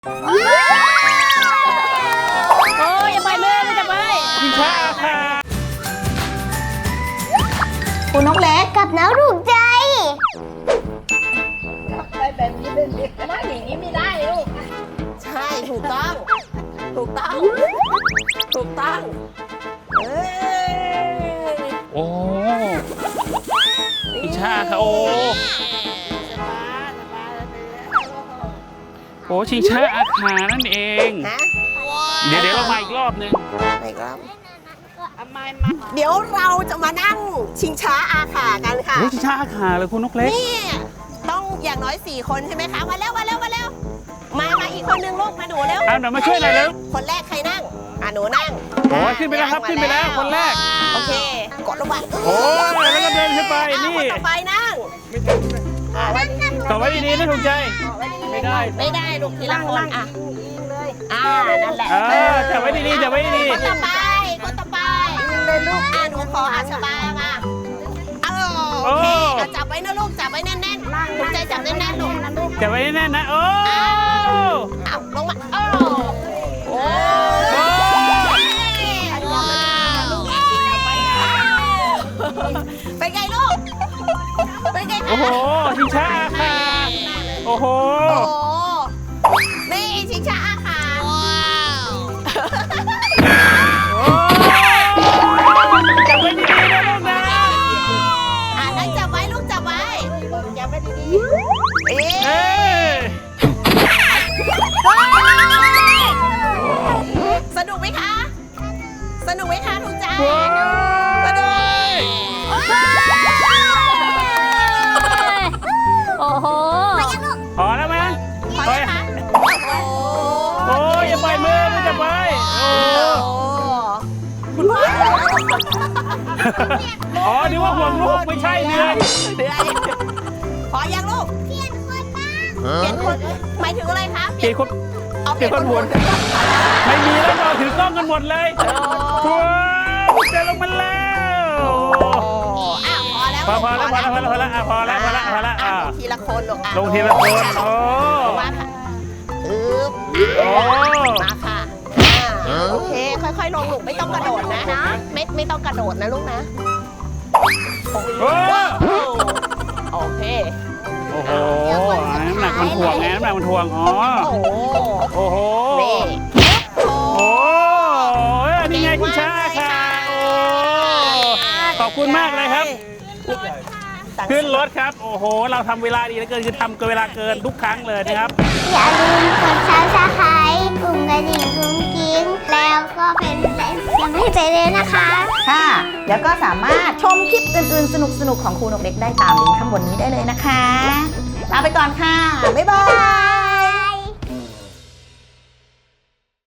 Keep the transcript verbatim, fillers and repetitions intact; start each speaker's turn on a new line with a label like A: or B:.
A: โอ้ยอย่าไปเลยไม่จะไปชิงช้าค่ะ
B: คุณนกเล็กกับน้าถูกใจ
C: ไปแบบนี้เป็นไม่อย่างนี้ไม่ได้ลูกใช่ถูกต้องถูกต้องถูกต้องเอ้ย
A: โอ้ชิงช้าค่ะโอ้โอ้ชิงช้าอาคานั่นเองเดี๋ยวเดี๋ยวเรามาอีกรอบนึง
C: ไปครับเดี๋ยวเราจะมานั่งชิงช้าอาขากันค่ะ
A: ชิงช้าอาคาเลยคุณนกเล็ก
C: นี่ต้องอย่างน้อยสี่คนใช่ไหมคะมาแล้วมาแล้วมาแล้วมามาอีกคนนึงลูกมาหนูแล้ว
A: อ่ะเดี๋ยวมาช่วยหน่อยเร็ว
C: คนแรกใครนั่งอ่ะหนูนั่ง
A: โอ้ขึ้นไปแล้วครับขึ้นไปแล้วคนแรก
C: โอเคกดลงไป
A: โอ้แล้วก็เดินขึ้นไปนี่
C: คนต่อไปนั่ง
A: ต่อไว้ดีๆนะถูกใจไม่ได้
C: ไม่ได้ลูกทีละคนอ่ะอ่านั่นแหละ
A: จับไว้ดีๆจับไว้ดี
C: ๆคนต่อไปคนต่อไปเลยลูกอ่ะหนูขออาชบามาโอเคจับไว้นะลูกจับไว้แน่นๆถูกใจจับแน่นๆลูก
A: จับไว้แน่นๆนะโอ้
C: เอาลงมาโอ้โอ้เป็นไงลูกเป็นไงคะ
A: โอ้โหชิงช้าอาคาโอ้โห
C: นี่ชิงช้าอาคา
A: จับไว้ดีๆนะลูกนะ
C: อ่านั่งจับไว้ลูกจับไว้จับไว้ดีๆเอ๊ะสนุกไหมคะสนุกไหมคะถูกใจสนุก
B: โอ้โห
A: พอแล้วมั้ย
C: พอแล้วคะ
A: โอ้ยอย่าปล่อยมือไม่จะไปโอ้
C: คุณพ่อ
A: อ๋อนึกว่าห่วงลูกไม่ใช่เดือน
C: เดือนพอยังลูกเปลี่ยนคนบ้างเปลี่ยนคนหมายถึงอะไรคะ
A: เปลี่ยนคนเปลี่ยนคนหมุนไม่มีแล้วเราถือกล้องกันหมดเลยว้าวเจอลงมาแล้ว
C: อ้าวพอแล้ว
A: พอพอแล้วพอแล้วพอแล้วพอแล้วพอแล้วพอแล้วพอแล้ว
C: ลงทีละคนลง
A: ลงทีละคนโอ้
C: มาค่ะอึ๊บ
A: โอ้
C: มาค่ะโอเคค่อยๆลงลูกไม่ต้องกระโดดนะไม่ไม่ต้องกระโดดนะลูกนะ
A: โอ้
C: โอเค
A: โอ้โหน้ำหนักมันถ่วงไงน้ำหนักมันถ่วงอ๋อโอ้โหโอ้นี่ไงคุณช้าค่ะโอ้ขอบคุณมากเลยครับขึ้นรถครับโอ้โหเราทำเวลาดีเหลือเกินคือทำเกินเวลาเกินทุกครั้งเลยนะครับ
B: อย่าลืมกดซับสไครต์กลุ่มกระดิ่งกุ้งกิ้งแล้วก็เป็นแรงยังให้ใจเลยนะคะ
D: ค่ะแล้วก็สามารถชมคลิปอื่นๆสนุกๆของครูนกเล็กได้ตามลิงก์ข้างบนนี้ได้เลยนะคะลาไปก่อนค่ะบ๊ายบาย